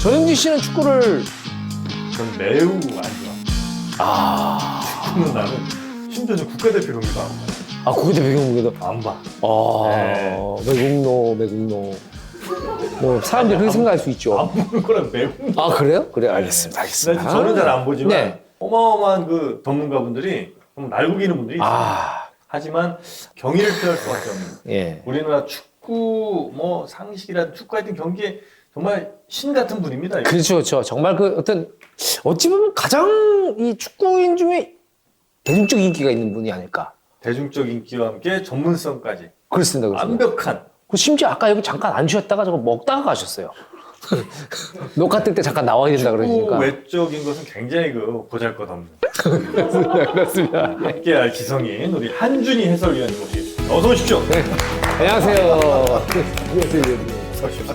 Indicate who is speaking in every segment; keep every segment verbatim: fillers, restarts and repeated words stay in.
Speaker 1: 전영진 씨는 축구를
Speaker 2: 전 매우 안 좋아.
Speaker 1: 아,
Speaker 2: 축구는 나는 심지어 는 국가대표 경기도 안 봐.
Speaker 1: 아 국가대표 경기도
Speaker 2: 안 봐.
Speaker 1: 아,
Speaker 2: 네.
Speaker 1: 매국노, 매국노. 뭐 사람들이 그렇게 생각할 수 있죠.
Speaker 2: 안 보는 거랑 매우.
Speaker 1: 아 그래요? 그래 알겠습니다. 알겠습니다.
Speaker 2: 저는 잘 안 보지만
Speaker 1: 네.
Speaker 2: 어마어마한 그 전문가분들이 정말 날고기는 분들이 있어요.
Speaker 1: 아,
Speaker 2: 하지만 경의를 표할 수밖에 없는.
Speaker 1: 예.
Speaker 2: 우리나라 축구 뭐 상식이라든 축구 하여튼 경기에 정말 신 같은 분입니다. 이거.
Speaker 1: 그렇죠, 그렇죠. 정말 그 어떤 어찌 보면 가장 이 축구인 중에 대중적 인기가 있는 분이 아닐까.
Speaker 2: 대중적 인기와 함께 전문성까지
Speaker 1: 그렇습니다. 그렇습니다.
Speaker 2: 완벽한.
Speaker 1: 그 심지어 아까 여기 잠깐 안 쉬었다가 저거 먹다가 가셨어요. 녹화 뜰 때 잠깐 나와야 된다
Speaker 2: 축구
Speaker 1: 그러시니까.
Speaker 2: 외적인 것은 굉장히 그 보잘것없는.
Speaker 1: 그렇습니다. 그렇습니다.
Speaker 2: 함께할 기성인 우리 한준희 해설위원님 모시겠습니다. 어서 오십시오.
Speaker 1: 네. 안녕하세요. 안녕하세요.
Speaker 2: 어서 오십시오.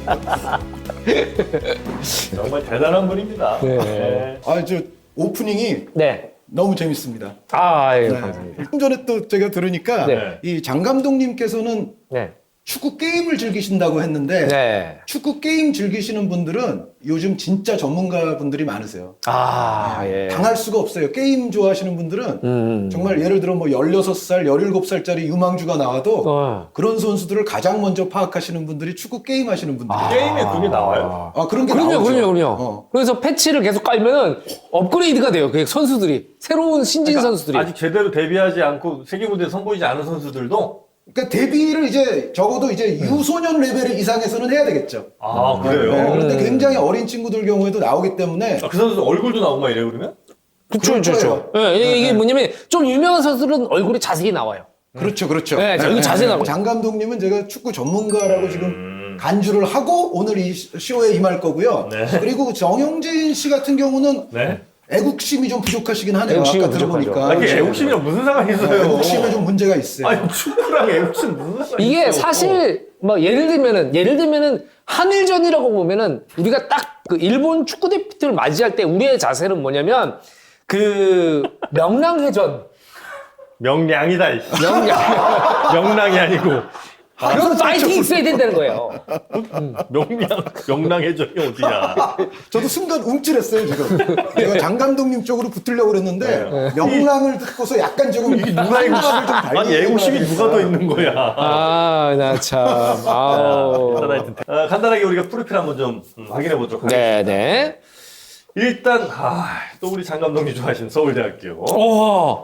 Speaker 2: 정말 대단한 분입니다.
Speaker 1: 네.
Speaker 2: 네.
Speaker 3: 아, 저 오프닝이
Speaker 1: 네.
Speaker 3: 너무 재밌습니다.
Speaker 1: 아, 예,
Speaker 3: 네.
Speaker 1: 감사합니다.
Speaker 3: 좀 전에 또 제가 들으니까
Speaker 1: 네.
Speaker 3: 이 장 감독님께서는
Speaker 1: 네.
Speaker 3: 축구 게임을 즐기신다고 했는데
Speaker 1: 네.
Speaker 3: 축구 게임 즐기시는 분들은 요즘 진짜 전문가 분들이 많으세요.
Speaker 1: 아, 예.
Speaker 3: 당할 수가 없어요. 게임 좋아하시는 분들은
Speaker 1: 음.
Speaker 3: 정말 예를 들어 뭐 열여섯 살, 열일곱 살짜리 유망주가 나와도
Speaker 1: 어.
Speaker 3: 그런 선수들을 가장 먼저 파악하시는 분들이 축구 게임 하시는 분들이에요.
Speaker 1: 아.
Speaker 2: 게임에 그게 나와요.
Speaker 3: 아, 그런 게
Speaker 1: 그럼요,
Speaker 3: 나오죠.
Speaker 1: 그럼요, 그럼요.
Speaker 3: 어.
Speaker 1: 그래서 패치를 계속 깔면은 업그레이드가 돼요. 그 선수들이. 새로운 신진 선수들이.
Speaker 2: 아직 제대로 데뷔하지 않고 세계 무대에 선보이지 않은 선수들도
Speaker 3: 그러니까 데뷔를 이제 적어도 이제 유소년 레벨 이상에서는 해야 되겠죠.
Speaker 2: 아 그래요.
Speaker 3: 네, 그런데
Speaker 1: 음.
Speaker 3: 굉장히 어린 친구들 경우에도 나오기 때문에
Speaker 2: 아, 그 선수 얼굴도 나오고 막 이래요 그러면?
Speaker 1: 그렇죠,
Speaker 3: 그럴
Speaker 1: 그렇죠.
Speaker 3: 거예요.
Speaker 1: 예, 이게-
Speaker 3: 네,
Speaker 1: 이게
Speaker 3: 네.
Speaker 1: 뭐냐면 좀 유명한 선수들은 얼굴이 자세히 나와요.
Speaker 3: 그렇죠, 그렇죠.
Speaker 1: 네, 자, 이거 자세히 나와요.
Speaker 3: 장 감독님은 제가 축구 전문가라고
Speaker 2: 음.
Speaker 3: 지금 간주를 하고 오늘 이 쇼에 임할 거고요.
Speaker 2: 네.
Speaker 3: 그리고 정영진 씨 같은 경우는
Speaker 2: 네.
Speaker 3: 애국심이 좀 부족하시긴 하네요.
Speaker 1: 애국심이
Speaker 3: 아까
Speaker 1: 부족하죠.
Speaker 3: 들어보니까.
Speaker 2: 아, 이게 애국심이랑 무슨 상관이 있어요?
Speaker 3: 애국심에 좀 문제가 있어요.
Speaker 2: 아니 축구랑 애국심 무슨 상관이
Speaker 1: 이게
Speaker 2: 있어?
Speaker 1: 사실 뭐 예를 들면은 예를 들면은 한일전이라고 보면은 우리가 딱 그 일본 축구 대표팀을 맞이할 때 우리의 자세는 뭐냐면 그 명랑회전
Speaker 2: 명량이다. 이 씨.
Speaker 1: 명량
Speaker 2: 명랑이 아니고
Speaker 1: 그런 파이팅 있어야 된다는 거예요.
Speaker 2: 명량 명랑해적이 어디야?
Speaker 3: 저도 순간 움찔했어요, 지금. 제가 장 감독님 쪽으로 붙으려고 그랬는데 명랑을 듣고서 약간 조금
Speaker 2: 이게 누가
Speaker 3: 생각을 좀
Speaker 2: 애국심? 아니 애국심이 누가 더 있는 거야?
Speaker 1: 아, 나 참. 아우.
Speaker 2: 일단 하여튼 어, 간단하게 우리가 프로필 한번 좀 음, 확인해 보도록 하겠습니다.
Speaker 1: 네, 네.
Speaker 2: 일단 아, 또 우리 장 감독님 좋아하시는 서울대학교.
Speaker 1: 오.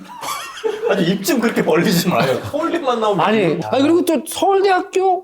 Speaker 2: 아주 입 좀 그렇게 벌리지 마요. 서울대만 나오면
Speaker 1: 아니, 아니 그리고 또 서울대학교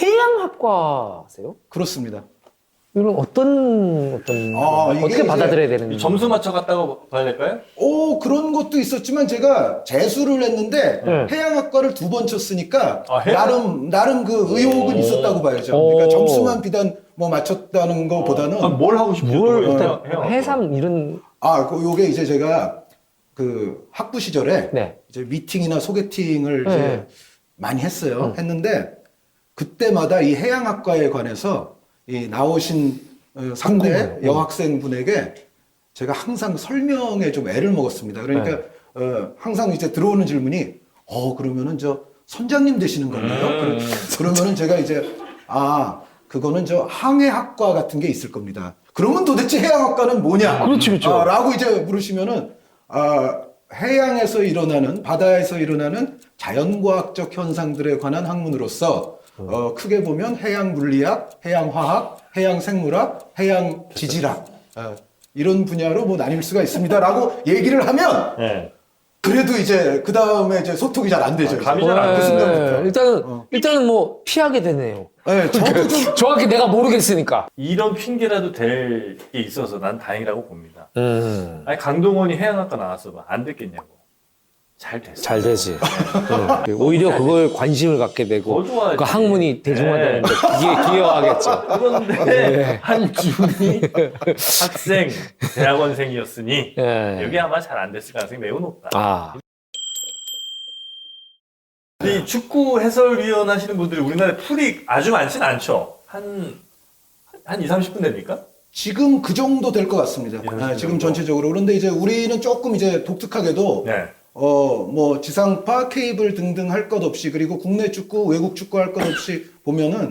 Speaker 1: 해양학과세요?
Speaker 3: 그렇습니다.
Speaker 1: 이건 어떤 어떤
Speaker 3: 아, 이게
Speaker 1: 어떻게
Speaker 3: 이제
Speaker 1: 받아들여야 되는
Speaker 2: 점수 맞춰 갔다고 봐야 될까요?
Speaker 3: 오, 그런 것도 있었지만 제가 재수를 했는데
Speaker 1: 네.
Speaker 3: 해양학과를 두 번 쳤으니까
Speaker 2: 아, 해양-
Speaker 3: 나름 나름 그 의혹은
Speaker 2: 오.
Speaker 3: 있었다고 봐야죠.
Speaker 1: 오.
Speaker 3: 그러니까 점수만 비단 뭐 맞췄다는 것보다는
Speaker 2: 아, 뭘 하고 싶죠?
Speaker 1: 뭘
Speaker 2: 또?
Speaker 1: 일단
Speaker 2: 해양- 해양-
Speaker 1: 해삼 이런
Speaker 3: 아, 그 요게 이제 제가 그 학부 시절에
Speaker 1: 네.
Speaker 3: 이제 미팅이나 소개팅을
Speaker 1: 네.
Speaker 3: 이제 많이 했어요. 했는데 그때마다 이 해양학과에 관해서 이 나오신 어, 상대 여학생 분에게 제가 항상 설명에 좀 애를 먹었습니다. 그러니까
Speaker 1: 네.
Speaker 3: 어, 항상 이제 들어오는 질문이 어 그러면은 저 선장님 되시는 건가요?
Speaker 2: 음.
Speaker 3: 그러- 그러면은 제가 이제 아 그거는 저 항해학과 같은 게 있을 겁니다. 그러면 도대체 해양학과는 뭐냐?
Speaker 1: 그렇지, 그렇죠.
Speaker 3: 아, 라고 이제 물으시면은 아, 해양에서 일어나는 바다에서 일어나는 자연과학적 현상들에 관한 학문으로서 어, 크게 보면 해양 물리학, 해양 화학, 해양 생물학, 해양 지질학 어, 이런 분야로 뭐 나뉠 수가 있습니다라고 얘기를 하면
Speaker 2: 네.
Speaker 3: 그래도 이제 그 다음에 이제 소통이 잘 안 되죠.
Speaker 2: 아, 감이
Speaker 3: 이제.
Speaker 2: 잘안
Speaker 3: 그
Speaker 2: 돼.
Speaker 3: 순간부터.
Speaker 1: 네, 일단은
Speaker 3: 어.
Speaker 1: 일단은 뭐 피하게 되네요.
Speaker 3: 네, 저도 좀
Speaker 1: 정확히 내가 모르겠으니까.
Speaker 2: 이런 핑계라도 될 게 있어서 난 다행이라고 봅니다.
Speaker 1: 음.
Speaker 2: 아니 강동원이 해양학과 나왔어 봐. 안 됐겠냐고. 잘 됐어.
Speaker 1: 잘 되지. 응. 오히려 그걸 관심을 갖게 되고
Speaker 2: 더 좋아하지.
Speaker 1: 그 학문이 대중화되는데 기여, 기여하겠죠.
Speaker 2: 그런데
Speaker 1: 네.
Speaker 2: 한준이 학생, 대학원생이었으니
Speaker 1: 예.
Speaker 2: 여기 아마 잘 안 됐을 가능성이 매우 높다.
Speaker 1: 아,
Speaker 2: 이 축구 해설위원 하시는 분들이 우리나라에 풀이 아주 많진 않죠. 한, 한 이, 삼십 분 됩니까?
Speaker 3: 지금 그 정도 될 것 같습니다.
Speaker 2: 예,
Speaker 3: 아,
Speaker 2: 그
Speaker 3: 지금
Speaker 2: 정도.
Speaker 3: 전체적으로. 그런데 이제 우리는 조금 이제 독특하게도
Speaker 2: 네.
Speaker 3: 어, 뭐, 지상파, 케이블 등등 할 것 없이, 그리고 국내 축구, 외국 축구 할 것 없이 보면은,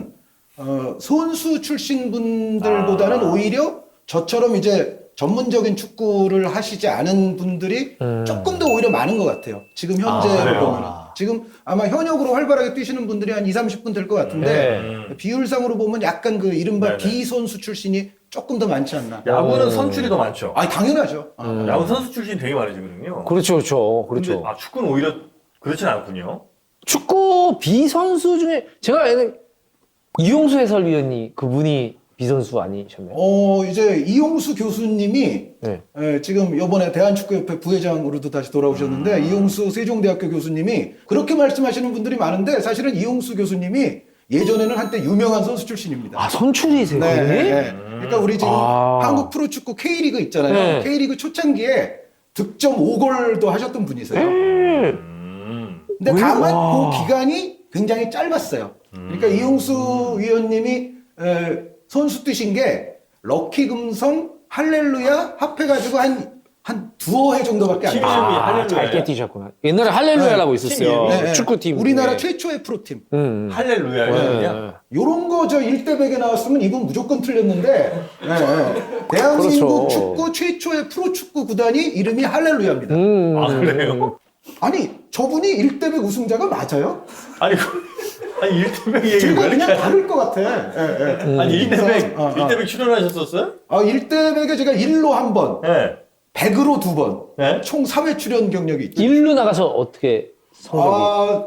Speaker 3: 어, 선수 출신 분들보다는
Speaker 2: 아.
Speaker 3: 오히려 저처럼 이제 전문적인 축구를 하시지 않은 분들이
Speaker 1: 음.
Speaker 3: 조금 더 오히려 많은 것 같아요. 지금 현재로
Speaker 2: 아, 그래요?
Speaker 3: 보면. 지금 아마 현역으로 활발하게 뛰시는 분들이 한 이삼십 분 될 것 같은데
Speaker 1: 네.
Speaker 2: 음.
Speaker 3: 비율상으로 보면 약간 그 이른바
Speaker 2: 네네.
Speaker 3: 비선수 출신이 조금 더 많지 않나.
Speaker 2: 야구는
Speaker 1: 어.
Speaker 2: 선출이 더 많죠.
Speaker 3: 아, 당연하죠. 아.
Speaker 1: 음.
Speaker 2: 야구 선수 출신이 되게 많으시거든요.
Speaker 1: 그렇죠, 그렇죠, 그렇죠.
Speaker 2: 근데, 아, 축구는 오히려 그렇진 않군요.
Speaker 1: 축구 비선수 중에 제가 예전에 이용수 해설위원이 그분이 비선수 아니셨나요?
Speaker 3: 어, 이제 이용수 교수님이
Speaker 1: 네.
Speaker 3: 예, 지금 이번에 대한축구협회 부회장으로도 다시 돌아오셨는데
Speaker 2: 음.
Speaker 3: 이용수 세종대학교 교수님이 그렇게 말씀하시는 분들이 많은데 사실은 이용수 교수님이 예전에는 한때 유명한 선수 출신입니다.
Speaker 1: 아 선출이세요?
Speaker 3: 네,
Speaker 1: 그분이?
Speaker 3: 네, 네. 그러니까 우리 지금
Speaker 1: 아.
Speaker 3: 한국 프로축구 K리그 있잖아요.
Speaker 1: 네.
Speaker 3: K리그 초창기에 득점 오 골도 하셨던 분이세요.
Speaker 1: 음.
Speaker 2: 음.
Speaker 3: 근데
Speaker 1: 왜?
Speaker 3: 다만
Speaker 1: 와.
Speaker 3: 그 기간이 굉장히 짧았어요. 그러니까
Speaker 2: 음.
Speaker 3: 이용수 위원님이 에, 선수 뛰신 게 럭키 금성 할렐루야 합해가지고 한, 한 두어 해 정도밖에 안
Speaker 2: 팀
Speaker 3: 돼요.
Speaker 2: 이름이
Speaker 1: 아,
Speaker 2: 할렐루야.
Speaker 1: 짧게 뛰셨구나. 옛날에 할렐루야라고
Speaker 2: 네,
Speaker 1: 있었어요.
Speaker 2: 팀
Speaker 3: 네,
Speaker 1: 축구팀.
Speaker 3: 우리나라
Speaker 1: 네.
Speaker 3: 최초의 프로팀.
Speaker 1: 음, 음.
Speaker 2: 할렐루야야.
Speaker 1: 네.
Speaker 3: 요런 거 저 일 대 백에 나왔으면 이분 무조건 틀렸는데 네, 네. 대한민국
Speaker 1: 그렇죠.
Speaker 3: 축구 최초의 프로축구 구단이 이름이 할렐루야입니다.
Speaker 1: 음,
Speaker 2: 아, 그래요?
Speaker 3: 아니 저분이 일 대 백 우승자가 맞아요?
Speaker 2: 아니, 그- 아니 일 대 백 얘기
Speaker 3: 제가
Speaker 2: 왜
Speaker 3: 그냥
Speaker 2: 이렇게
Speaker 3: 다를 것 같아. 예, 예.
Speaker 2: 아니 일 대 백,
Speaker 3: 어, 어.
Speaker 2: 일 대 백 출연하셨었어요?
Speaker 3: 아, 일 대 백에 제가 일로 한 번,
Speaker 2: 네.
Speaker 3: 백으로 두 번,
Speaker 2: 네?
Speaker 3: 총 삼 회 출연 경력이 있죠.
Speaker 1: 일루 나가서 어떻게 성적이?
Speaker 3: 아,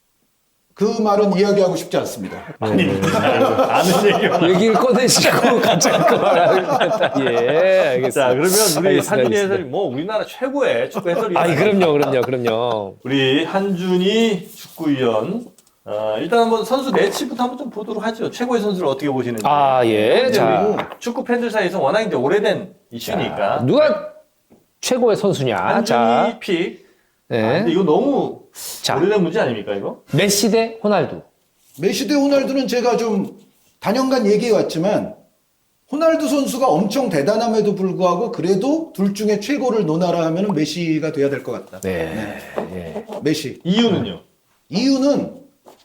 Speaker 3: 그 말은 이야기하고 싶지 않습니다.
Speaker 2: 아니, 아는 얘기만.
Speaker 1: 얘기를 꺼내시고 갑자기 그 말을 예, 알겠습니다.
Speaker 2: 자, 그러면 우리
Speaker 1: 알겠습니다,
Speaker 2: 한준희
Speaker 1: 알겠습니다.
Speaker 2: 해설이 뭐 우리나라 최고의 축구 해설이.
Speaker 1: 아니 그럼요, 그럼요, 그럼요.
Speaker 2: 우리 한준희 축구위원. 어, 일단 한번 선수 매치부터 한번 좀 보도록 하죠. 최고의 선수를 어떻게 보시는지.
Speaker 1: 아 예,
Speaker 2: 이제
Speaker 1: 자
Speaker 2: 우리 축구 팬들 사이에서 워낙 이제 오래된 이슈니까.
Speaker 1: 누가 최고의 선수냐?
Speaker 2: 한준희
Speaker 1: 자,
Speaker 2: 픽. 아,
Speaker 1: 네.
Speaker 2: 근데 이거 너무
Speaker 1: 자.
Speaker 2: 오래된 문제 아닙니까 이거?
Speaker 1: 메시 대 호날두.
Speaker 3: 메시 대 호날두는 제가 좀 단연간 얘기해 왔지만 호날두 선수가 엄청 대단함에도 불구하고 그래도 둘 중에 최고를 논하라 하면 메시가 돼야 될 것 같다.
Speaker 1: 네. 예.
Speaker 3: 메시.
Speaker 2: 이유는요?
Speaker 3: 이유는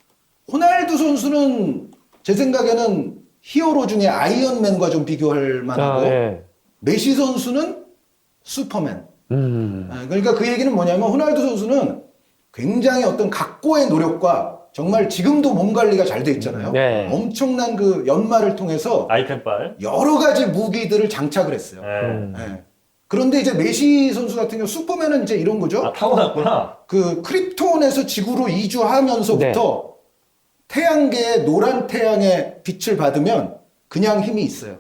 Speaker 3: 호날두 선수는 제 생각에는 히어로 중에 아이언맨과 좀 비교할 만하고
Speaker 1: 아, 예.
Speaker 3: 메시 선수는 슈퍼맨.
Speaker 1: 음.
Speaker 3: 아, 그러니까 그 얘기는 뭐냐면 호날두 선수는 굉장히 어떤 각고의 노력과 정말 지금도 몸 관리가 잘 돼 있잖아요.
Speaker 1: 네.
Speaker 3: 엄청난 그 연말을 통해서
Speaker 2: 아이템빨.
Speaker 3: 여러 가지 무기들을 장착을 했어요.
Speaker 2: 네.
Speaker 1: 음.
Speaker 3: 예. 그런데 이제 메시 선수 같은 경우 슈퍼맨은 이제 이런 거죠.
Speaker 2: 아, 타고났구나.
Speaker 3: 그 크립톤에서 지구로 이주하면서부터 태양계의 노란 태양의 빛을 받으면 그냥 힘이 있어요.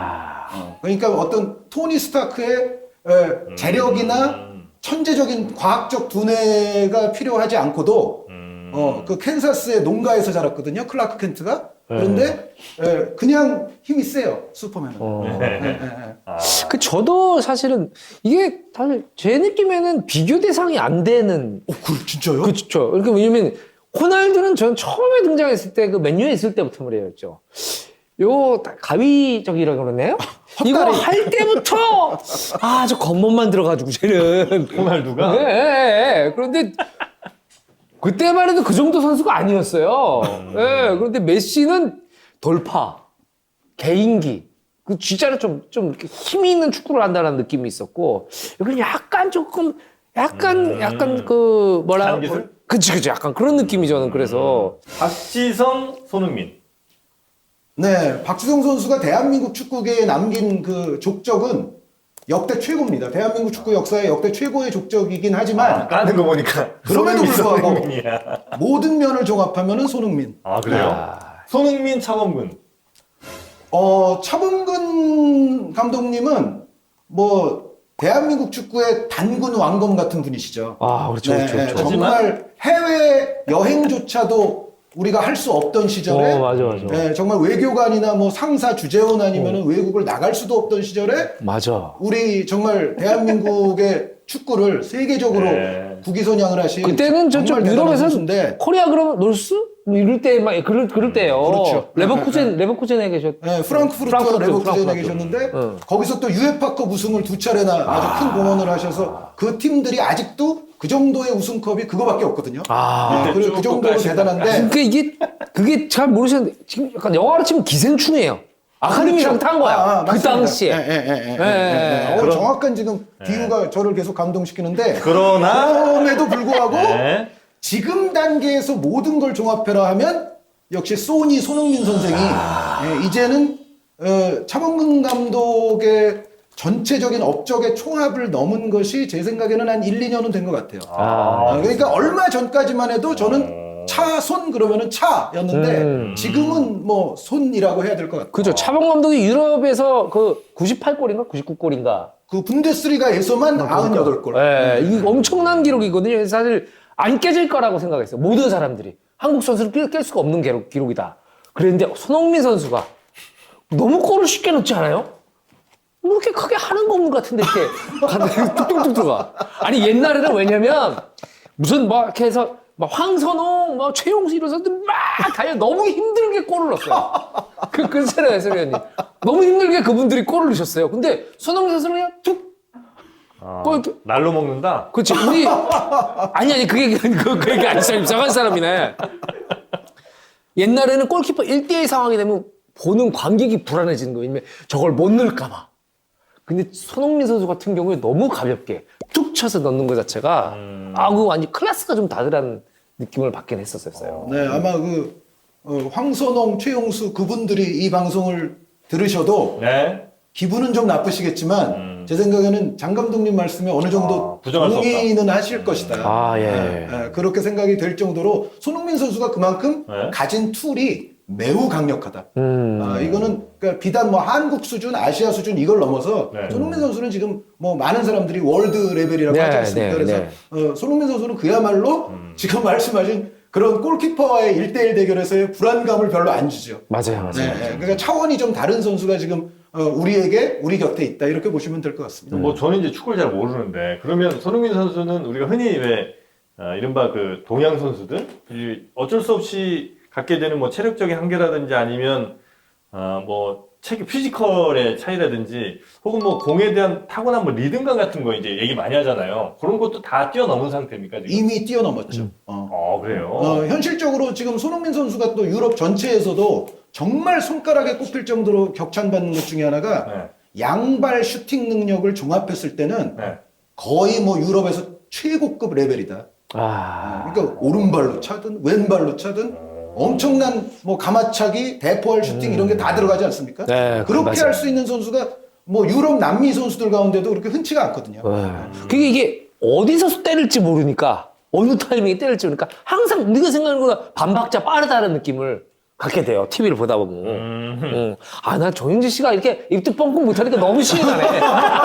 Speaker 1: 아.
Speaker 3: 그러니까 어떤 토니 스타크의 에, 재력이나
Speaker 2: 음.
Speaker 3: 천재적인 과학적 두뇌가 필요하지 않고도
Speaker 2: 음.
Speaker 3: 어, 그 캔사스의 농가에서 자랐거든요. 클라크 켄트가. 그런데 에, 그냥 힘이 세요. 슈퍼맨은.
Speaker 1: 어.
Speaker 3: 예, 예, 예.
Speaker 2: 아.
Speaker 1: 그 저도 사실은 이게 사실 제 느낌에는 비교 대상이 안 되는.
Speaker 3: 어, 그 진짜요?
Speaker 1: 그렇죠. 그러니까 왜냐면 호날두는 전 처음에 등장했을 때 그 맨유에 있을 때부터 말이었죠. 요 가위적이라고 그러네요. 이거 할 때부터 아 저 겉멋만 들어가지고 쟤는
Speaker 2: 호날두가?
Speaker 1: 예, 예, 예. 그런데 그때만 해도 그 정도 선수가 아니었어요. 예. 그런데 메시는 돌파, 개인기, 그 진짜로 좀 좀 이렇게 힘이 있는 축구를 한다는 느낌이 있었고 여기는 약간 조금 약간
Speaker 2: 음.
Speaker 1: 약간 그 뭐라
Speaker 2: 단기술?
Speaker 1: 그치 그치 약간 그런 느낌이 저는 그래서
Speaker 2: 박지성, 손흥민.
Speaker 3: 네, 박지성 선수가 대한민국 축구계에 남긴 그 족적은 역대 최고입니다. 대한민국 축구 역사의 역대 최고의 족적이긴 하지만
Speaker 2: 까는 거 보니까.
Speaker 3: 그럼에도
Speaker 2: 손흥민,
Speaker 3: 불구하고
Speaker 2: 손흥민이야.
Speaker 3: 모든 면을 종합하면은 손흥민.
Speaker 2: 아, 그래요?
Speaker 1: 아.
Speaker 2: 손흥민, 차범근.
Speaker 3: 어, 차범근 감독님은 뭐 대한민국 축구의 단군 왕검 같은 분이시죠.
Speaker 1: 아 그렇죠
Speaker 3: 네,
Speaker 1: 그렇죠,
Speaker 3: 네,
Speaker 1: 그렇죠.
Speaker 3: 정말 해외 여행조차도 우리가 할 수 없던 시절에
Speaker 1: 어 맞아 맞아
Speaker 3: 네, 정말 외교관이나 뭐 상사 주재원 아니면은 외국을 나갈 수도 없던 시절에
Speaker 1: 맞아.
Speaker 3: 우리 정말 대한민국의 축구를 세계적으로
Speaker 2: 네.
Speaker 3: 국위선양을 하신
Speaker 1: 그때는 저쪽
Speaker 3: 정말 대단한
Speaker 1: 유럽에서
Speaker 3: 선수인데
Speaker 1: 코리아 그러면 놀스 뭐 이럴 때 막 그럴 그럴 때요.
Speaker 3: 그렇죠.
Speaker 1: 레버쿠젠 레버쿠젠에 계셨.
Speaker 3: 네, 프랑크푸르트
Speaker 1: 프랑크푸르트,
Speaker 3: 레버쿠젠에
Speaker 1: 프랑크푸르트.
Speaker 3: 계셨는데
Speaker 1: 응.
Speaker 3: 거기서 또 유에파컵 우승을 두 차례나 아주 큰 공헌을 하셔서 그 팀들이 아직도 그 정도의 우승컵이 그거밖에 없거든요.
Speaker 1: 아.
Speaker 3: 아, 그리고 그 정도로 대단한데
Speaker 1: 그러니까 이게 그게 잘 모르시는데 지금 약간 영화로 치면 기생충이에요. 아카데미상 탄 거야.
Speaker 3: 아, 아,
Speaker 1: 그
Speaker 3: 맞습니다.
Speaker 1: 당시에.
Speaker 3: 예, 예, 예, 예,
Speaker 1: 예,
Speaker 3: 예, 예. 어,
Speaker 2: 그럼-
Speaker 3: 정확한 지금 비유가 저를 계속 감동시키는데
Speaker 2: 그러나
Speaker 3: 그럼에도 불구하고
Speaker 2: 네.
Speaker 3: 지금 단계에서 모든 걸 종합해라 하면 역시 소니 손흥민 선생이 예, 이제는 어, 차범근 감독의 전체적인 업적의 총합을 넘은 것이 제 생각에는 한 일, 이 년은 된 것 같아요.
Speaker 2: 아,
Speaker 3: 아, 그러니까 얼마 전까지만 해도 저는 차손 그러면은 차였는데
Speaker 1: 음.
Speaker 3: 지금은 뭐 손이라고 해야 될 것 같아요.
Speaker 1: 그죠. 차범 감독이 유럽에서 그 구십팔 골인가 구십구 골인가.
Speaker 3: 그 분데스리가에서만 구십팔 골.
Speaker 1: 예, 이게 엄청난 기록이거든요. 그래서 사실 안 깨질 거라고 생각했어요. 모든 사람들이. 한국 선수를 깰, 깰 수가 없는 기록, 기록이다. 그랬는데 손흥민 선수가 너무 골을 쉽게 넣지 않아요? 뭐 이렇게 크게 하는 거 없는 것 같은데 이렇게 가다가 뚝뚝뚝 들어가. 아니 옛날에는 왜냐면 무슨 막 이렇게 해서 막 황선홍, 막 최용수 이런 선수들 막 달려 너무 힘들게 골을 넣었어요. 그 근세라 해설위원님 너무 힘들게 그분들이 골을 넣으셨어요. 근데 손흥민 선수는 그냥 툭.
Speaker 2: 아,
Speaker 1: 뭐 이렇게-
Speaker 2: 날로 먹는다.
Speaker 1: 그렇지 우리 아니 아니 그게 그, 그 얘기 아니 참 이상한 사람이네. 옛날에는 골키퍼 일 대일 상황이 되면 보는 관객이 불안해지는 거예요. 왜냐면 저걸 못 넣을까 봐. 근데 손흥민 선수 같은 경우에 너무 가볍게 툭 쳐서 넣는 것 자체가
Speaker 2: 음.
Speaker 1: 아, 그 완전 클래스가 좀 다르다는 느낌을 받긴 했었어요.
Speaker 3: 네, 아마 그 어, 황선홍, 최용수 그분들이 이 방송을 들으셔도
Speaker 2: 네.
Speaker 3: 기분은 좀 나쁘시겠지만
Speaker 2: 음.
Speaker 3: 제 생각에는 장 감독님 말씀에 어느 정도
Speaker 2: 아, 부정할 수 없다.
Speaker 3: 동의는 하실 것이다.
Speaker 1: 아, 예.
Speaker 3: 네, 네, 그렇게 생각이 될 정도로 손흥민 선수가 그만큼
Speaker 2: 네.
Speaker 3: 가진 툴이 매우 강력하다.
Speaker 1: 음.
Speaker 3: 아, 이거는 그러니까 비단 뭐 한국 수준, 아시아 수준 이걸 넘어서
Speaker 2: 네.
Speaker 3: 손흥민 선수는 지금 뭐 많은 사람들이 월드 레벨이라고
Speaker 1: 네,
Speaker 3: 하지 않습니까?
Speaker 1: 네,
Speaker 3: 그래서
Speaker 1: 네.
Speaker 3: 어, 손흥민 선수는 그야말로
Speaker 2: 음.
Speaker 3: 지금 말씀하신 그런 골키퍼와의 일대일 대결에서의 불안감을 별로 안 주죠.
Speaker 1: 맞아요, 맞아요.
Speaker 3: 네, 네. 그러니까 차원이 좀 다른 선수가 지금 어, 우리에게 우리 곁에 있다 이렇게 보시면 될 것 같습니다.
Speaker 2: 뭐 저는 이제 축구를 잘 모르는데 그러면 손흥민 선수는 우리가 흔히 왜 아, 이른바 그 동양 선수들 이 어쩔 수 없이 갖게 되는 뭐 체력적인 한계라든지 아니면 아, 뭐 체격 피지컬의 차이라든지 혹은 뭐 공에 대한 타고난 뭐 리듬감 같은 거 이제 얘기 많이 하잖아요. 그런 것도 다 뛰어넘은 상태입니까 지금?
Speaker 3: 이미 뛰어넘었죠. 어.
Speaker 2: 어 그래요.
Speaker 3: 어, 현실적으로 지금 손흥민 선수가 또 유럽 전체에서도 정말 손가락에 꼽힐 정도로 격찬받는 것 중에 하나가
Speaker 2: 네.
Speaker 3: 양발 슈팅 능력을 종합했을 때는
Speaker 2: 네.
Speaker 3: 거의 뭐 유럽에서 최고급 레벨이다.
Speaker 1: 아,
Speaker 3: 그러니까 오른발로 차든 왼발로 차든 엄청난 뭐 가마차기, 대포할 슈팅 이런 게 다 들어가지 않습니까?
Speaker 1: 네,
Speaker 3: 그렇게
Speaker 1: 맞아요.
Speaker 3: 할 수 있는 선수가 뭐 유럽 남미 선수들 가운데도 그렇게 흔치가 않거든요.
Speaker 1: 네. 그게 이게 어디서 때릴지 모르니까 어느 타이밍에 때릴지 모르니까 항상 우리가 생각하는 것보다 반박자 빠르다는 느낌을 갖게 돼요. 티비를 보다 보면.
Speaker 2: 음.
Speaker 1: 응. 아, 난 정영진 씨가 이렇게 입도 뻥뻥 못하니까 너무 신이 나네.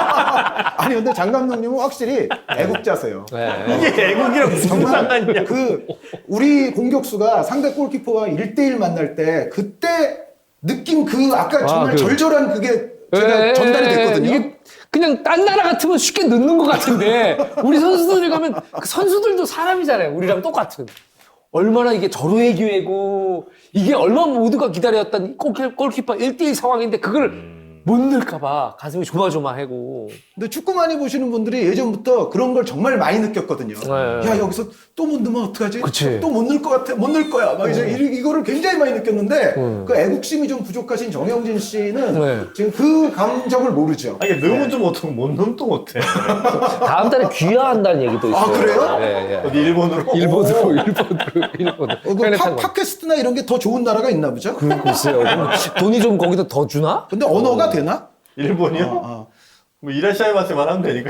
Speaker 3: 아니 근데 장 감독님은 확실히 애국자세요.
Speaker 1: 네.
Speaker 2: 이게 애국이랑 무슨 상관이냐?
Speaker 3: 그 우리 공격수가 상대 골키퍼와 일 대일 만날 때 그때 느낀 그 아까 정말
Speaker 1: 그-
Speaker 3: 절절한 그게 제가
Speaker 1: 예,
Speaker 3: 전달이 됐거든요.
Speaker 1: 이게 그냥 딴 나라 같으면 쉽게 넣는 것 같은데 우리 선수들이 가면 그 선수들도 사람이잖아요. 우리랑 똑같은. 얼마나 이게 절호의 기회고 이게 얼마나 모두가 기다렸던 골키- 골키퍼 일 대일 상황인데 그걸 못 넣을까봐 가슴이 조마조마하고.
Speaker 3: 근데 축구 많이 보시는 분들이 예전부터 그런 걸 정말 많이 느꼈거든요.
Speaker 1: 네.
Speaker 3: 야 여기서 또 못 넣으면 어떡하지?
Speaker 1: 그치.
Speaker 3: 또 못 넣을 것 같아. 못 넣을 거야. 막 이제 이- 이거를 굉장히 많이 느꼈는데
Speaker 1: 음.
Speaker 3: 그 애국심이 좀 부족하신 정영진 씨는
Speaker 1: 네.
Speaker 3: 지금 그 감정을 모르죠.
Speaker 2: 아니 넣으면 좀 못하고 못 넣으면 또 못해.
Speaker 1: 다음 달에 귀화한다는 얘기도 있어요.
Speaker 3: 아, 그래요?
Speaker 1: 예, 예.
Speaker 2: 어디 일본으로?
Speaker 1: 일본으로, 일본으로, 일본으로.
Speaker 3: 어, 그 팟- 팟캐스트나 이런 게 더 좋은 나라가 있나 보죠?
Speaker 1: 그러고 있어요. 그럼 돈이 좀 거기다 더 주나?
Speaker 3: 근데 언어가 되나?
Speaker 2: 일본이요?
Speaker 3: 어, 어.
Speaker 2: 뭐 이라시아이마스만 하면 되니까.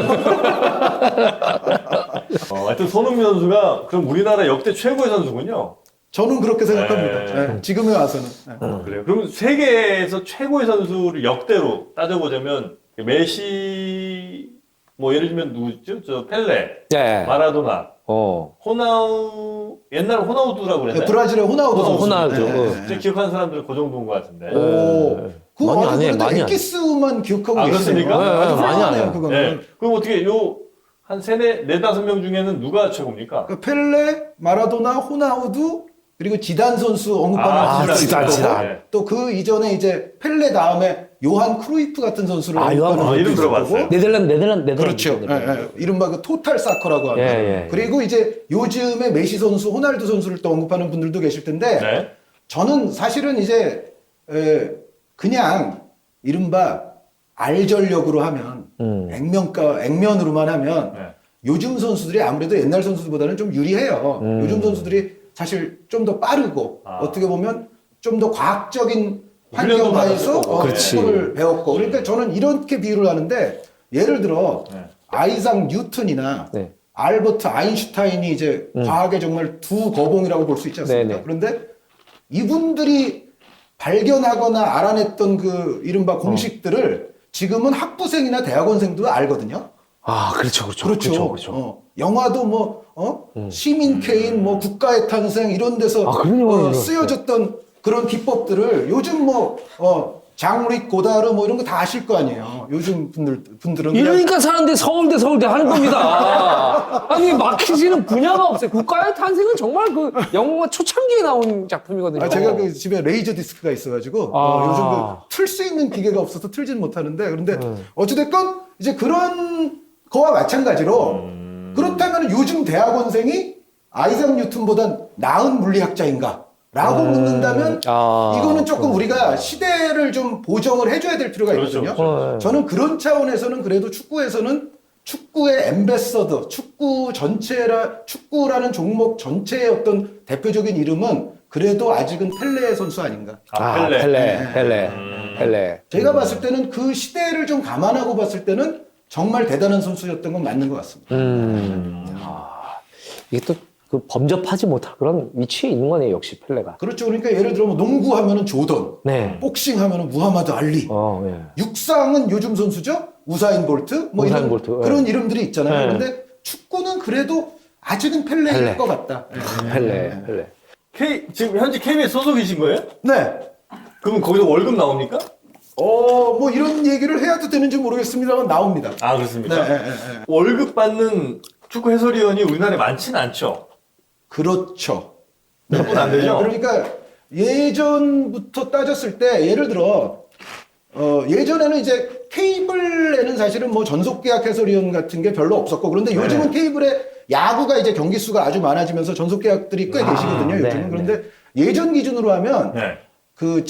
Speaker 2: 어, 하여튼 손흥민 선수가 그럼 우리나라 역대 최고의 선수군요.
Speaker 3: 저는 그렇게 생각합니다.
Speaker 2: 네.
Speaker 3: 네, 지금에 와서는. 네.
Speaker 2: 어, 그래요. 그럼 세계에서 최고의 선수를 역대로 따져보자면 메시, 뭐 예를 들면 누구죠? 저 펠레,
Speaker 1: 네.
Speaker 2: 마라도나,
Speaker 1: 어.
Speaker 2: 호나우, 옛날 호나우두라고
Speaker 3: 네,
Speaker 2: 그랬나요?
Speaker 3: 브라질의 호나우두
Speaker 2: 호나우두.
Speaker 3: 선수.
Speaker 1: 호나우두.
Speaker 3: 네, 네, 네.
Speaker 2: 제가 기억하는 사람들은 그 정도인 것 같은데.
Speaker 3: 오, 그
Speaker 1: 많이 안
Speaker 3: 아주
Speaker 1: 해,
Speaker 3: 그래도
Speaker 1: 많이 안 해.
Speaker 3: 엑기스만 기억하고
Speaker 2: 아,
Speaker 3: 계시네요.
Speaker 2: 그렇습니까?
Speaker 3: 네, 아주
Speaker 1: 네, 많이 안
Speaker 3: 훌륭하네요,
Speaker 1: 해요.
Speaker 3: 그거는.
Speaker 2: 네. 그럼 어떻게 요 한 세네 네다섯 명 중에는 누가 최고입니까?
Speaker 3: 그 펠레, 마라도나, 호나우두 그리고 지단 선수 언급하는
Speaker 2: 아,
Speaker 3: 선수가
Speaker 1: 지단,
Speaker 3: 있을
Speaker 1: 지단.
Speaker 3: 거고 또 그 이전에 이제 펠레 다음에 요한 크루이프 같은 선수를
Speaker 1: 아, 요한
Speaker 3: 언급하는
Speaker 2: 아, 이름
Speaker 3: 분도 있을
Speaker 2: 들어봤어요.
Speaker 3: 거고.
Speaker 1: 네덜란드, 네덜란드, 네덜란드.
Speaker 3: 그렇죠.
Speaker 1: 네덜란드.
Speaker 3: 예, 예. 이른바 그 토탈 사커라고 하는.
Speaker 1: 예, 예, 예.
Speaker 3: 그리고 이제 요즘에 메시 선수, 호날두 선수를 또 언급하는 분들도 계실 텐데
Speaker 2: 네.
Speaker 3: 저는 사실은 이제 에, 그냥 이른바 알전력으로 하면
Speaker 1: 음.
Speaker 3: 액면가 액면으로만 하면
Speaker 2: 네.
Speaker 3: 요즘 선수들이 아무래도 옛날 선수들보다는 좀 유리해요.
Speaker 1: 음.
Speaker 3: 요즘 선수들이 사실 좀 더 빠르고
Speaker 2: 아.
Speaker 3: 어떻게 보면 좀 더 과학적인
Speaker 2: 훈련도
Speaker 3: 환경 하에서
Speaker 2: 받았을 거고.
Speaker 3: 어,
Speaker 1: 그렇지.
Speaker 3: 축구를 배웠고 그러니까 저는 이렇게 비유를 하는데 예를 들어
Speaker 2: 네.
Speaker 3: 아이작 뉴턴이나
Speaker 1: 네.
Speaker 3: 알버트 아인슈타인이 이제
Speaker 1: 음.
Speaker 3: 과학의 정말 두 거봉이라고 볼 수 있지 않습니까?
Speaker 1: 네네.
Speaker 3: 그런데 이분들이 발견하거나 알아냈던 그 이른바 공식들을 지금은 학부생이나 대학원생도 알거든요.
Speaker 1: 아, 그렇죠, 그렇죠.
Speaker 3: 그렇죠.
Speaker 1: 그렇죠, 그렇죠.
Speaker 3: 어, 영화도 뭐, 어?
Speaker 1: 음.
Speaker 3: 시민 케인, 뭐, 국가의 탄생, 이런 데서
Speaker 1: 아, 그런 영화를
Speaker 3: 어,
Speaker 1: 들었어요.
Speaker 3: 쓰여졌던 그런 기법들을 요즘 뭐, 어, 장르익 고다르 뭐 이런 거 다 아실 거 아니에요. 요즘 분들, 분들은. 그냥
Speaker 1: 이러니까 사람들이 서울대, 서울대 하는 겁니다. 아니, 막히지는 분야가 없어요. 국가의 탄생은 정말 그 영화 초창기에 나온 작품이거든요.
Speaker 3: 아, 제가 그 집에 레이저 디스크가 있어가지고,
Speaker 1: 아.
Speaker 3: 어, 요즘 그 틀 수 있는 기계가 없어서 틀지는 못하는데, 그런데
Speaker 1: 음.
Speaker 3: 어찌됐건 이제 그런 거와 마찬가지로,
Speaker 2: 음.
Speaker 3: 그렇다면 요즘 대학원생이 아이작 뉴턴보다 나은 물리학자인가? 라고
Speaker 1: 음.
Speaker 3: 묻는다면,
Speaker 1: 아,
Speaker 3: 이거는 조금 우리가 시대를 좀 보정을 해줘야 될 필요가
Speaker 2: 그렇죠,
Speaker 3: 있거든요.
Speaker 2: 그렇죠.
Speaker 1: 어,
Speaker 3: 저는 그런 차원에서는 그래도 축구에서는 축구의 엠베서더, 축구 전체라, 축구라는 종목 전체의 어떤 대표적인 이름은 그래도 아직은 펠레 선수 아닌가.
Speaker 2: 아,
Speaker 1: 아,
Speaker 2: 펠레.
Speaker 1: 펠레, 펠레,
Speaker 2: 음.
Speaker 1: 펠레.
Speaker 3: 제가 봤을 때는 그 시대를 좀 감안하고 봤을 때는 정말 대단한 선수였던 건 맞는 것 같습니다.
Speaker 1: 음. 아, 이게 또 그 범접하지 못할 그런 위치에 있는 거네요, 역시 펠레가.
Speaker 3: 그렇죠. 그러니까 예를 들어 뭐 농구 하면은 조던,
Speaker 1: 네.
Speaker 3: 복싱 하면은 무하마드 알리,
Speaker 1: 어, 예.
Speaker 3: 육상은 요즘 선수죠? 우사인 볼트, 뭐
Speaker 1: 우사인
Speaker 3: 이런
Speaker 1: 볼트, 예.
Speaker 3: 그런 이름들이 있잖아요.
Speaker 1: 네.
Speaker 3: 근데 축구는 그래도 아직은 펠레일
Speaker 1: 펠레.
Speaker 3: 것 같다.
Speaker 1: 펠레, 펠레.
Speaker 2: K, 지금 현재 케이비에스 소속이신 거예요?
Speaker 3: 네.
Speaker 2: 그럼 거기서 월급 나옵니까?
Speaker 3: 어, 뭐 이런 얘기를 해야도 되는지 모르겠습니다만 나옵니다.
Speaker 2: 아,
Speaker 3: 네,
Speaker 2: 그렇습니까?
Speaker 3: 네, 네, 네.
Speaker 2: 월급 받는 축구 해설위원이 우리나라에 많지는 않죠.
Speaker 3: 그렇죠.
Speaker 2: 몇 분 안 되죠?
Speaker 3: 그러니까 예전부터 따졌을 때 예를 들어 어, 예전에는 이제 케이블에는 사실은 뭐 전속 계약 해설위원 같은 게 별로 없었고 그런데 요즘은 케이블에 야구가 이제 경기 수가 아주 많아지면서 전속 계약들이 꽤
Speaker 1: 아,
Speaker 3: 계시거든요.
Speaker 1: 네,
Speaker 3: 요즘은. 그런데 예전 기준으로 하면
Speaker 2: 네.
Speaker 3: 그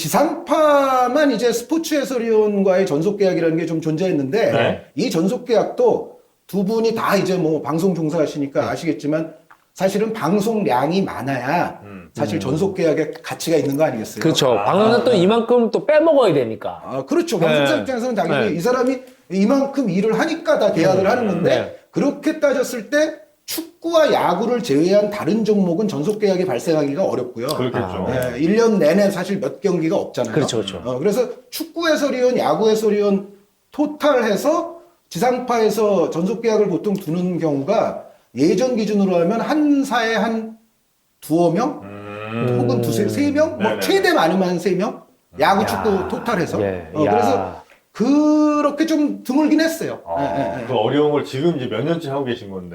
Speaker 3: 지상파만 이제 스포츠 해설위원과의 전속 계약이라는 게 좀 존재했는데
Speaker 2: 네.
Speaker 3: 이 전속 계약도 두 분이 다 이제 뭐 방송 종사하시니까 아시겠지만 사실은 방송량이 많아야
Speaker 2: 음.
Speaker 3: 사실 전속 계약의 가치가 있는 거 아니겠어요?
Speaker 1: 그렇죠.
Speaker 2: 아.
Speaker 1: 방송은 또 이만큼 또 빼먹어야 되니까.
Speaker 3: 아, 그렇죠. 방송사
Speaker 1: 네.
Speaker 3: 입장에서는 당연히
Speaker 1: 네.
Speaker 3: 이 사람이 이만큼 일을 하니까 다 계약을 하는 건데
Speaker 1: 네.
Speaker 3: 그렇게 따졌을 때 축구와 야구를 제외한 다른 종목은 전속 계약이 발생하기가 어렵고요.
Speaker 2: 그렇겠죠.
Speaker 3: 네, 일 년 내내 사실 몇 경기가 없잖아요.
Speaker 1: 그렇죠, 그렇죠.
Speaker 3: 어, 그래서 축구 해설위원, 야구 해설위원 토탈해서 지상파에서 전속 계약을 보통 두는 경우가 예전 기준으로 하면 한 사에 한 두어 명
Speaker 2: 음.
Speaker 3: 혹은 두세 세 명, 뭐
Speaker 2: 네네.
Speaker 3: 최대 많으면 한 세 명 야구 축구 토탈해서
Speaker 1: 예,
Speaker 3: 어,
Speaker 1: 야.
Speaker 3: 그래서 그렇게 좀 드물긴 했어요.
Speaker 2: 아,
Speaker 3: 예, 예,
Speaker 2: 그 어려운 걸 지금 이제 몇 년째 하고 계신 건데.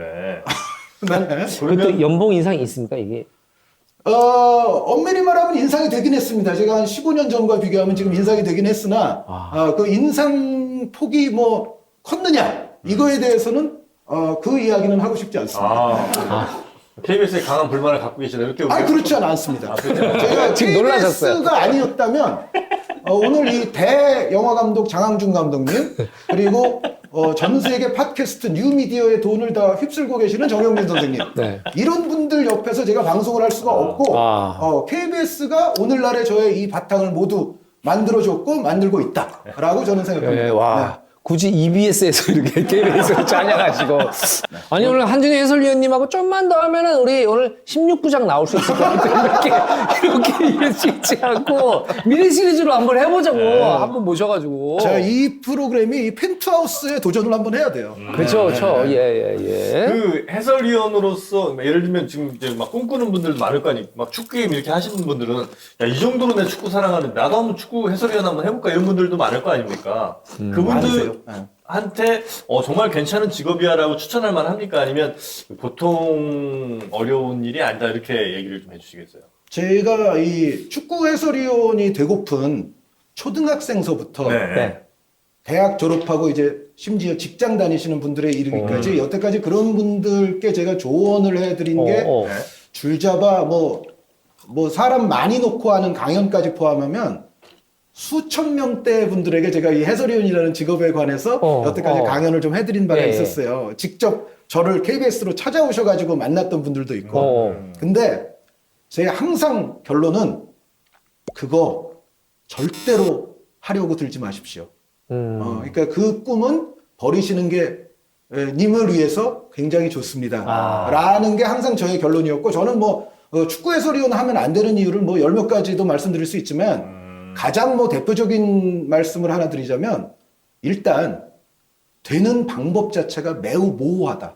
Speaker 3: 예. 네.
Speaker 1: 그것도 연봉 인상이 있습니까, 이게?
Speaker 3: 어, 엄밀히 말하면 인상이 되긴 했습니다. 제가 한 십오 년 전과 비교하면 지금 인상이 되긴 했으나,
Speaker 1: 아.
Speaker 3: 어, 그 인상 폭이 뭐 컸느냐, 이거에 대해서는, 어, 그 이야기는 하고 싶지 않습니다.
Speaker 2: 아, 케이비에스에 강한 불만을 갖고 계시다. 이렇게
Speaker 3: 아,
Speaker 2: 우리가
Speaker 3: 그렇지 않습니다.
Speaker 2: 아, 그렇죠.
Speaker 3: 제가
Speaker 1: 지금 놀라셨어요.
Speaker 3: 케이비에스가 아니었다면, 어, 오늘 이 대 영화 감독 장항준 감독님, 그리고 어, 전 세계 팟캐스트 뉴미디어의 돈을 다 휩쓸고 계시는 정영민 선생님.
Speaker 1: 네.
Speaker 3: 이런 분들 옆에서 제가 방송을 할 수가 없고,
Speaker 1: 아.
Speaker 3: 어, 케이비에스가 오늘날의 저의 이 바탕을 모두 만들어줬고 만들고 있다라고 저는 생각합니다.
Speaker 1: 예, 와. 굳이 이비에스에서 이렇게 케이비에스로 찬양하시고. 아니, 오늘 한준희 해설위원님하고 좀만 더 하면은 우리 오늘 십육 부작 나올 수 있을 것 같아요. 이렇게, 이렇게 이러지 않고 미니 시리즈로 한번 해보자고. 한번 모셔가지고.
Speaker 3: 자, 이 프로그램이 이 펜트하우스에 도전을 한번 해야 돼요.
Speaker 1: 그렇죠, 그렇죠. 예, 예, 예.
Speaker 2: 그 해설위원으로서 예를 들면 지금 이제 막 꿈꾸는 분들도 많을 거 아니에요. 막 축구 게임 이렇게 하시는 분들은 야, 이 정도로 내 축구 사랑하는데 나도 한번 축구 해설위원 한번 해볼까 이런 분들도 많을 거 아닙니까? 그분들
Speaker 3: 많으세요. 네.
Speaker 2: 한테 어, 정말 괜찮은 직업이야라고 추천할 만합니까? 아니면 보통 어려운 일이 아니다 이렇게 얘기를 좀 해주시겠어요?
Speaker 3: 제가 이 축구 해설위원이 되고픈 초등학생서부터
Speaker 2: 네.
Speaker 1: 네.
Speaker 3: 대학 졸업하고 이제 심지어 직장 다니시는 분들에 이르기까지
Speaker 2: 음.
Speaker 3: 여태까지 그런 분들께 제가 조언을 해드린 게
Speaker 1: 어, 어.
Speaker 2: 네.
Speaker 3: 줄잡아 뭐, 뭐 사람 많이 놓고 하는 강연까지 포함하면 수천 명대 분들에게 제가 이 해설위원이라는 직업에 관해서
Speaker 1: 어,
Speaker 3: 여태까지
Speaker 1: 어.
Speaker 3: 강연을 좀 해드린 바가
Speaker 1: 예, 예.
Speaker 3: 있었어요. 직접 저를 케이비에스로 찾아오셔가지고 만났던 분들도 있고.
Speaker 1: 어.
Speaker 3: 근데 제 항상 결론은 그거 절대로 하려고 들지 마십시오.
Speaker 1: 음.
Speaker 3: 어, 그러니까 그 꿈은 버리시는 게 에, 님을 위해서 굉장히 좋습니다.
Speaker 1: 아.
Speaker 3: 라는 게 항상 저의 결론이었고 저는 뭐 어, 축구 해설위원 하면 안 되는 이유를 뭐 열 몇 가지도 말씀드릴 수 있지만
Speaker 2: 음.
Speaker 3: 가장 뭐 대표적인 말씀을 하나 드리자면 일단 되는 방법 자체가 매우 모호하다.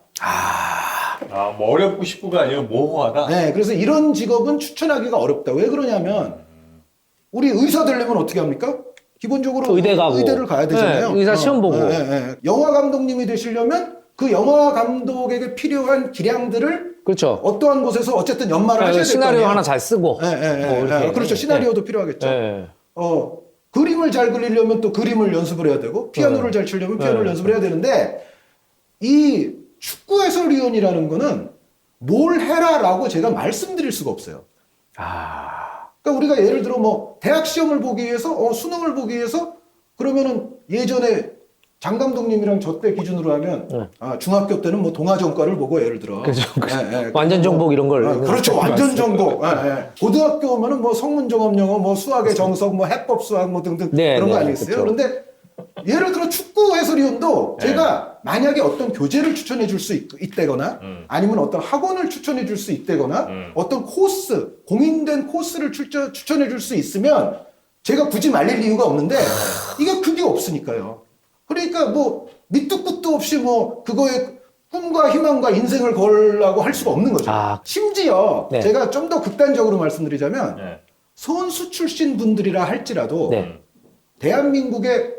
Speaker 2: 아, 뭐 어렵고 싶고가 아니라 모호하다.
Speaker 3: 네, 그래서 이런 직업은 추천하기가 어렵다. 왜 그러냐면 우리 의사 되려면 어떻게 합니까? 기본적으로
Speaker 1: 의대 가고.
Speaker 3: 의대를 가야 되잖아요.
Speaker 1: 네, 의사 시험 보고.
Speaker 3: 네, 네, 네. 영화 감독님이 되시려면 그 영화 감독에게 필요한 기량들을
Speaker 1: 그렇죠.
Speaker 3: 어떠한 곳에서 어쨌든 연말을 하셔야 될 거
Speaker 1: 시나리오
Speaker 3: 아니에요.
Speaker 1: 하나 잘 쓰고.
Speaker 3: 네, 네, 네,
Speaker 1: 뭐 이렇게.
Speaker 3: 네. 그렇죠. 시나리오도 필요하겠죠.
Speaker 1: 네.
Speaker 3: 어, 그림을 잘 그리려면 또 그림을 연습을 해야 되고 피아노를
Speaker 1: 네.
Speaker 3: 잘 치려면 피아노를
Speaker 1: 네.
Speaker 3: 연습을 해야 되는데 이 축구 해설위원이라는 거는 뭘 해라라고 제가 말씀드릴 수가 없어요.
Speaker 1: 아.
Speaker 3: 그러니까 우리가 예를 들어 뭐 대학 시험을 보기 위해서 어, 수능을 보기 위해서 그러면은 예전에 장 감독님이랑 저 때 기준으로 하면
Speaker 1: 네.
Speaker 3: 아, 중학교 때는 뭐 동아전과를 보고 예를 들어
Speaker 1: 그죠.
Speaker 3: 예, 예.
Speaker 1: 완전 정복 이런 걸.
Speaker 3: 아, 그렇죠. 완전 정복. 예, 예. 고등학교 오면은 뭐 성문종합영어, 뭐 수학의 정석, 뭐 해법 수학 뭐 등등
Speaker 1: 네,
Speaker 3: 그런 거
Speaker 1: 네,
Speaker 3: 아니겠어요?
Speaker 1: 그렇죠.
Speaker 3: 그런데 예를 들어 축구 해설위원도
Speaker 2: 네.
Speaker 3: 제가 만약에 어떤 교재를 추천해 줄 수 있다거나
Speaker 2: 음.
Speaker 3: 아니면 어떤 학원을 추천해 줄 수 있다거나
Speaker 2: 음.
Speaker 3: 어떤 코스, 공인된 코스를 추천, 추천해 줄 수 있으면 제가 굳이 말릴 이유가 없는데 이게 그게 없으니까요. 그러니까 뭐 밑도 끝도 없이 뭐 그거에 꿈과 희망과 인생을 걸라고 할 수가 없는 거죠.
Speaker 1: 아.
Speaker 3: 심지어
Speaker 1: 네.
Speaker 3: 제가 좀 더 극단적으로 말씀드리자면
Speaker 2: 네.
Speaker 3: 선수 출신 분들이라 할지라도
Speaker 1: 네.
Speaker 3: 대한민국의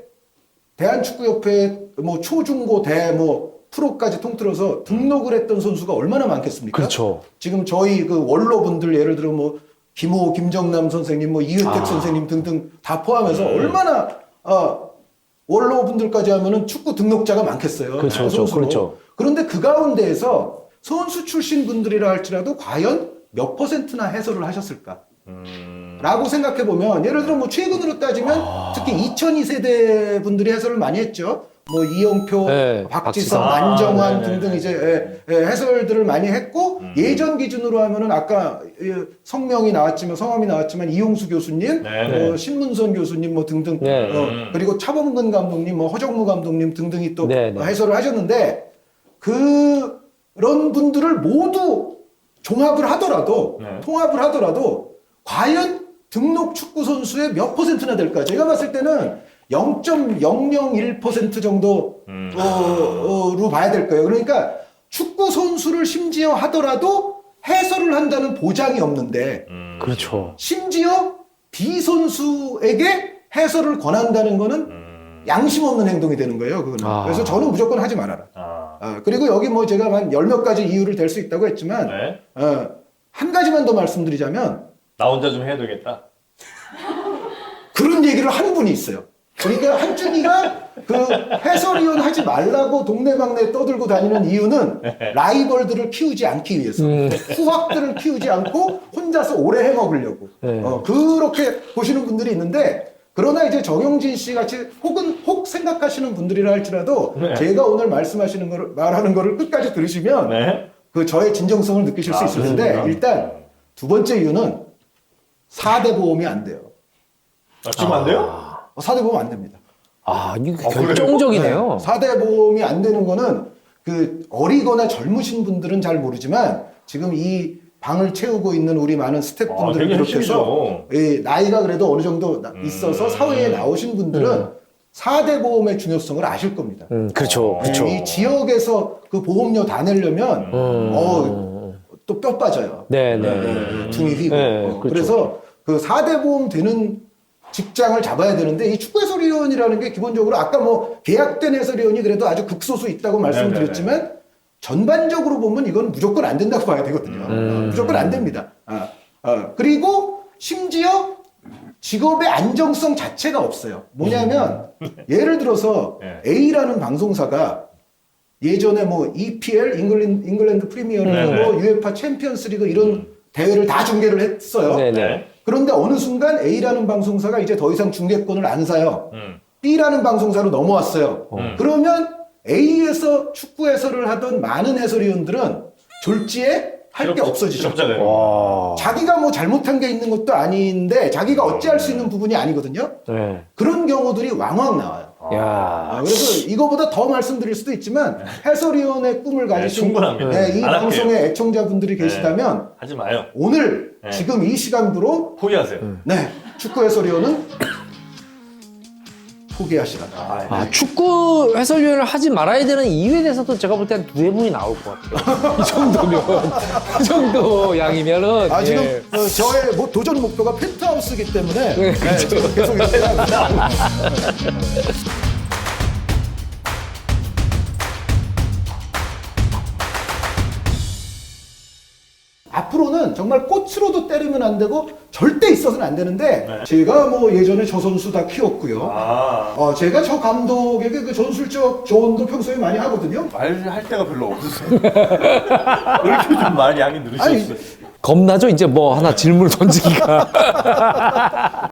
Speaker 3: 대한축구협회 뭐 초중고 대 뭐 프로까지 통틀어서 등록을 했던 선수가 얼마나 많겠습니까?
Speaker 1: 그렇죠.
Speaker 3: 지금 저희 그 원로 분들 예를 들어 뭐 김호, 김정남 선생님, 뭐 이은택
Speaker 1: 아.
Speaker 3: 선생님 등등 다 포함해서
Speaker 2: 음.
Speaker 3: 얼마나 어, 원로 분들까지 하면은 축구 등록자가 많겠어요.
Speaker 1: 그렇죠, 그렇죠,
Speaker 3: 선수로.
Speaker 1: 그렇죠.
Speaker 3: 그런데 그 가운데에서 선수 출신 분들이라 할지라도 과연 몇 퍼센트나 해설을 하셨을까?
Speaker 2: 음.
Speaker 3: 라고 생각해 보면 예를 들어 뭐 최근으로 따지면
Speaker 1: 아.
Speaker 3: 특히 이천이 세대 분들이 해설을 많이 했죠. 뭐 이영표,
Speaker 1: 네,
Speaker 3: 박지성,
Speaker 1: 박지성.
Speaker 3: 안정환
Speaker 2: 아, 네네네.
Speaker 3: 등등 이제 예, 예, 해설들을 많이 했고
Speaker 2: 음.
Speaker 3: 예전 기준으로 하면은 아까 예, 성명이 나왔지만 성함이 나왔지만 이용수 교수님,
Speaker 2: 네네.
Speaker 3: 뭐 신문선 교수님 뭐 등등
Speaker 1: 네.
Speaker 3: 어,
Speaker 2: 음.
Speaker 3: 그리고 차범근 감독님, 뭐 허정무 감독님 등등이 또
Speaker 1: 네네.
Speaker 3: 어, 해설을 하셨는데 그런 분들을 모두 종합을 하더라도
Speaker 2: 네.
Speaker 3: 통합을 하더라도 과연 등록 축구 선수의 몇 퍼센트나 될까? 제가 봤을 때는 영 점 영영일 퍼센트 정도로
Speaker 2: 음.
Speaker 3: 봐야 될 거예요. 그러니까 축구 선수를 심지어 하더라도 해설을 한다는 보장이 없는데
Speaker 2: 음.
Speaker 1: 그렇죠.
Speaker 3: 심지어 B 선수에게 해설을 권한다는 거는
Speaker 2: 음.
Speaker 3: 양심 없는 행동이 되는 거예요. 그거는.
Speaker 1: 아.
Speaker 3: 그래서 저는 무조건 하지 말아라.
Speaker 2: 아.
Speaker 3: 아, 그리고 여기 뭐 제가 한 열 몇 가지 이유를 댈 수 있다고 했지만
Speaker 2: 네.
Speaker 3: 어, 한 가지만 더 말씀드리자면
Speaker 2: 나 혼자 좀 해야 되겠다.
Speaker 3: 그런 얘기를 하는 분이 있어요. 그러니까 한준이가 그 해설위원 하지 말라고 동네방네 떠들고 다니는 이유는 라이벌들을 키우지 않기 위해서
Speaker 1: 음.
Speaker 3: 후학들을 키우지 않고 혼자서 오래 해먹으려고
Speaker 1: 네.
Speaker 3: 어, 그렇게 보시는 분들이 있는데 그러나 이제 정영진 씨 같이 혹은 혹 생각하시는 분들이라 할지라도
Speaker 2: 네.
Speaker 3: 제가 오늘 말씀하시는 거를 말하는 거를 끝까지 들으시면
Speaker 2: 네.
Speaker 3: 그 저의 진정성을 느끼실 수
Speaker 2: 아,
Speaker 3: 있을 텐데
Speaker 2: 그렇습니까?
Speaker 3: 일단 두 번째 이유는 사 대 보험이 안 돼요.
Speaker 2: 아, 지금 안 돼요?
Speaker 3: 사 대 보험 안 됩니다.
Speaker 1: 아, 이게
Speaker 2: 아, 그래요?
Speaker 1: 결정적이네요.
Speaker 3: 사 대 보험이 안 되는 거는 그 어리거나 젊으신 분들은 잘 모르지만 지금 이 방을 채우고 있는 우리 많은
Speaker 2: 아,
Speaker 3: 스태프분들을
Speaker 2: 되게
Speaker 3: 비롯해서
Speaker 2: 핵심이죠.
Speaker 3: 이 나이가 그래도 어느 정도 나-
Speaker 2: 음.
Speaker 3: 있어서 사회에 나오신 분들은 사 대 보험의 중요성을 아실 겁니다.
Speaker 1: 음, 그렇죠.
Speaker 2: 어,
Speaker 1: 그렇죠.
Speaker 3: 이 지역에서 그 보험료 다 내려면
Speaker 1: 음.
Speaker 3: 어, 또 뼈 빠져요.
Speaker 1: 네, 네.
Speaker 3: 네, 등이 휘고.
Speaker 1: 네,
Speaker 3: 어,
Speaker 1: 그렇죠.
Speaker 3: 그래서 그 사 대 보험 되는 직장을 잡아야 되는데 이 축구 해설위원이라는 게 기본적으로 아까 뭐 계약된 해설위원이 그래도 아주 극소수 있다고 말씀드렸지만 전반적으로 보면 이건 무조건 안 된다고 봐야 되거든요.
Speaker 1: 음.
Speaker 3: 어, 무조건 안 됩니다. 아, 아, 그리고 심지어 직업의 안정성 자체가 없어요. 뭐냐면 예를 들어서
Speaker 2: 네.
Speaker 3: A라는 방송사가 예전에 뭐 이피엘 잉글랜드, 잉글랜드 프리미어리그,
Speaker 2: 네, 네.
Speaker 3: 뭐 유에파 챔피언스리그 이런 대회를 다 중계를 했어요.
Speaker 1: 네네.
Speaker 3: 그런데 어느 순간 A라는 방송사가 이제 더 이상 중계권을 안 사요.
Speaker 2: 음.
Speaker 3: B라는 방송사로 넘어왔어요.
Speaker 2: 음.
Speaker 3: 그러면 A에서 축구 해설을 하던 많은 해설위원들은 졸지에 할 게 없어지죠.
Speaker 2: 실업자 되는
Speaker 1: 와.
Speaker 3: 자기가 뭐 잘못한 게 있는 것도 아닌데 자기가 어찌할 수 있는 부분이 아니거든요.
Speaker 1: 네.
Speaker 3: 그런 경우들이 왕왕 나와요. 아,
Speaker 1: 야.
Speaker 3: 그래서 이거보다 더 말씀드릴 수도 있지만 해설위원의 꿈을 가지신
Speaker 2: 충분합니다.
Speaker 3: 네, 이
Speaker 2: 안
Speaker 3: 방송의
Speaker 2: 할게요.
Speaker 3: 애청자분들이
Speaker 2: 네.
Speaker 3: 계시다면
Speaker 2: 하지 마요.
Speaker 3: 오늘
Speaker 2: 네.
Speaker 3: 지금 이 시간부로
Speaker 2: 포기하세요.
Speaker 3: 네, 축구 해설위원은 포기하시라.
Speaker 1: 아, 축구 해설위원을 하지 말아야 되는 이유에 대해서도 제가 볼 때 한 두세 분이 나올 것 같아요. 이 정도면. 이 정도 양이면은.
Speaker 3: 아, 지금
Speaker 1: 예.
Speaker 3: 어, 저의 뭐 도전 목표가 펜트하우스이기 때문에
Speaker 1: 네,
Speaker 3: 네, 지금 계속 이렇게 합니다. 앞으로는 정말 꽃으로도 때리면 안 되고 절대 있어서는 안 되는데
Speaker 2: 네.
Speaker 3: 제가 뭐 예전에 저 선수 다 키웠고요.
Speaker 2: 아,
Speaker 3: 어, 제가 저 감독에게 그 전술적 조언도 평소에 많이 하거든요.
Speaker 2: 말할 데가 별로 없으세요. 왜 이렇게 좀 말 양이
Speaker 3: 아니,
Speaker 2: 늘으셨어요?
Speaker 1: 겁나죠? 이제 뭐 하나 질문을 던지기가.